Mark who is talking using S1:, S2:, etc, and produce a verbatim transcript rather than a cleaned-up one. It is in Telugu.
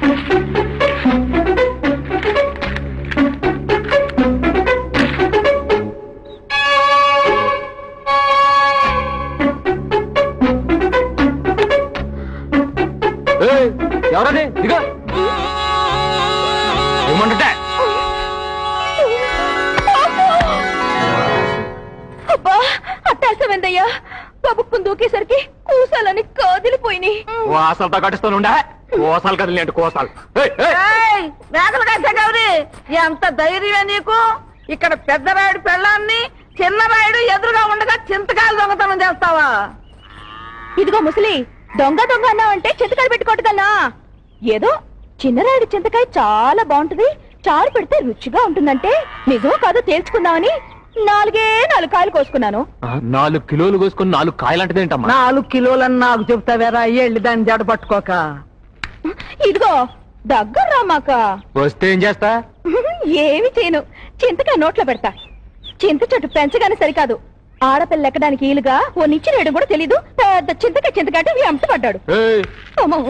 S1: ఎవరది దిగా ఏమంటే
S2: అబ్బా అట్టాసమైందయ్యా కబుక్కుని దూకేసరికి కూసాలని కాదిలిపోయినాయి.
S1: కోసాలతో కట్టిస్తానుండా కోసాలు కదిలి అంటే కోసాలు
S3: మేకలు కాసా గౌరీ ఎంత ధైర్యమే నీకు? ఇక్కడ పెద్ద రాయుడు పెళ్ళాన్ని చిన్న రాయుడు ఎదురుగా ఉండగా చింతకాయలు దొంగతనం చేస్తావా?
S2: ఇదిగో ముసలి దొంగ దొంగ అన్నావంటే చింతకాయలు పెట్టుకోవటదన్నా. ఏదో చిన్నరాయుడు చింతకాయ చాలా బాగుంటుంది, చారు పెడితే రుచిగా ఉంటుందంటే నిజమో కాదో తేల్చుకుందామని నాలుగే నాలుగు కాయలు కోసుకున్నాను.
S1: నాలుగు కిలోలు కోసుకుని నాలుగు కాయలంటది ఏంటమ్మా?
S3: నాలుగు కిలోలని నాకు చెప్తావేరా? వెళ్ళి దాన్ని జడ పట్టుకోక.
S2: ఇదిగో దగ్గర రామాక.
S1: వస్తే ఏం చేస్తా?
S2: ఏమి చేయను, చింతకాయ నోట్లో పెడతా. చింత చెట్టు పెంచగానే సరికాదు, ఆడపిల్ల ఎక్కడానికి ఈలుగా ఓ నిచ్చి రేయడం కూడా తెలీదు. పెద్ద చింతకాయ చింతకాయ వెంట పడ్డాడు.